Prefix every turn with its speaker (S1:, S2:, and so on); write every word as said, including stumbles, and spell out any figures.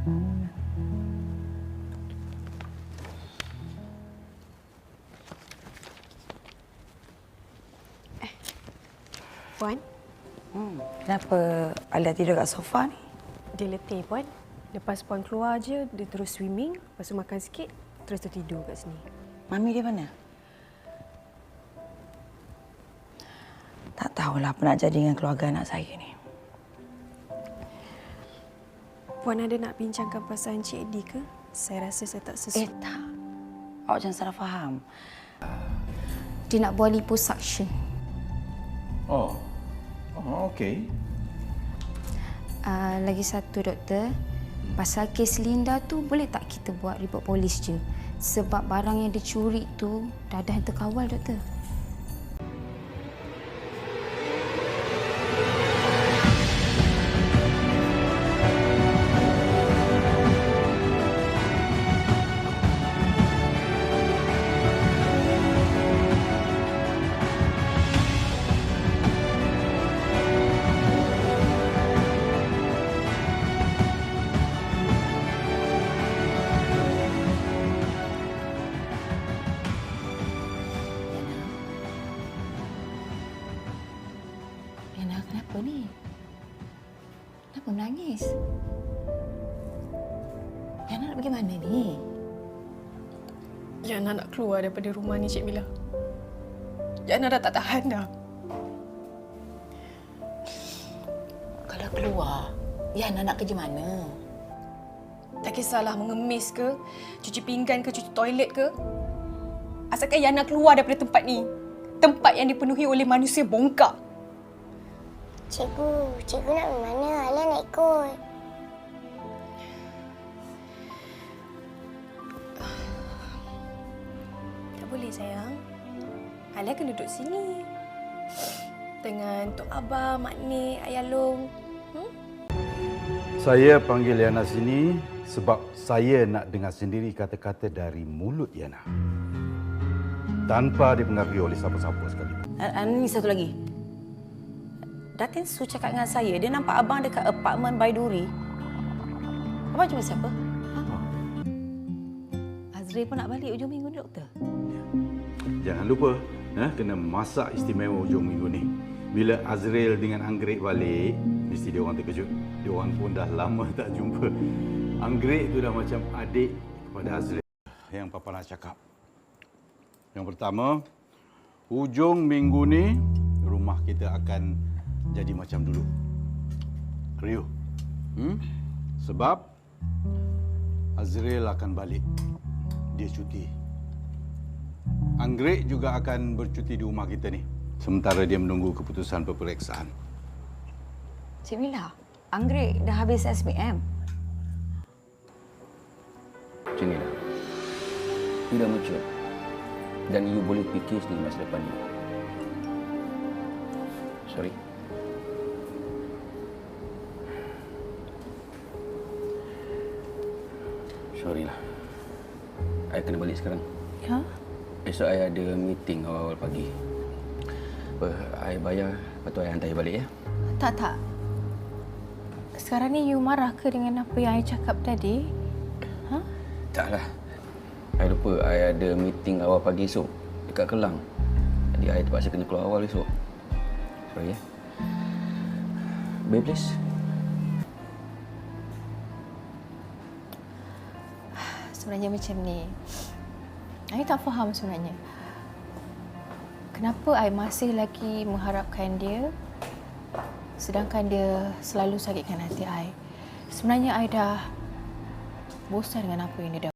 S1: Eh, Puan?
S2: Hmm. Kenapa Alia tidur kat sofa ni?
S1: Dia letih, Puan. Lepas Puan keluar je, dia terus swimming, lepas tu makan sikit, terus tertidur kat sini.
S2: Mami dia mana? Tak tahulah apa nak jadi dengan keluarga anak saya ni.
S1: Puan ada nak bincangkan perasaan Cik Eddie ke? Saya rasa saya tak sesuai.
S2: Eh, tak. Awak jangan salah faham.
S3: Dia nak buat liposuction.
S4: Oh, oh okey.
S3: Uh, lagi satu, doktor. Pasal kes Linda tu, boleh tak kita buat report polis je? Sebab barang yang dicuri tu dah ada yang terkawal, doktor. Yana, kenapa ni? Kenapa menangis? Yana nak pergi mana ni?
S1: Yana nak keluar daripada rumah ni, Cik Mila. Yana dah tak tahan dah.
S2: Kalau keluar, Yana nak kerja mana?
S1: Tak kisahlah mengemis ke, cuci pinggan ke, cuci toilet ke. Asalkan Yana keluar daripada tempat ni. Tempat yang dipenuhi oleh manusia bongkak.
S5: Cikgu, cikgu nak pergi mana? Alia nak ikut.
S1: Tak boleh, sayang. Alia akan duduk sini. Dengan Tok Abah, Mak Nik, Ayah Long. Hmm?
S4: Saya panggil Yana sini sebab saya nak dengar sendiri kata-kata dari mulut Yana. Tanpa dipengaruhi oleh siapa-siapa sekalipun.
S2: Ini satu lagi. Datin Su cakap dengan saya, dia nampak abang dekat apartmen Baiduri. Abang jumpa siapa? Ha? Azri pun nak balik hujung minggu ni, doktor.
S4: Jangan lupa, eh, kena masak istimewa hujung minggu ni. Bila Azril dengan Anggrek balik, mesti dia orang terkejut. Dia orang pun dah lama tak jumpa. Anggrek tu dah macam adik kepada Azril. Yang Papa nak cakap. Yang pertama, hujung minggu ni rumah kita akan jadi macam dulu. Riuh. Hmm? Sebab Azril akan balik. Dia cuti. Anggrek juga akan bercuti di rumah kita ni. Sementara dia menunggu keputusan peperiksaan.
S2: Cik Mila, Anggrek dah habis S B M.
S6: Cik Mila, you dah mature dan you boleh fikir sendiri masa depan you. Sorry. Sorry lah. I kena balik sekarang.
S3: Ha?
S6: Esok I ada meeting awal-awal pagi. Apa, I bayar, lepas tu I hantar I balik ya.
S3: Tak, tak. Sekarang ni you marah ke dengan apa yang I cakap tadi? Ha?
S6: Taklah. I lupa I ada meeting awal pagi esok dekat Kelang. Jadi I terpaksa kena keluar awal esok. Sorry ya. Babe, please.
S3: Sebenarnya macam ni. I tak faham sebenarnya. Kenapa I masih lagi mengharapkan dia sedangkan dia selalu sakitkan hati I. Sebenarnya I dah bosan dengan apa yang dia dah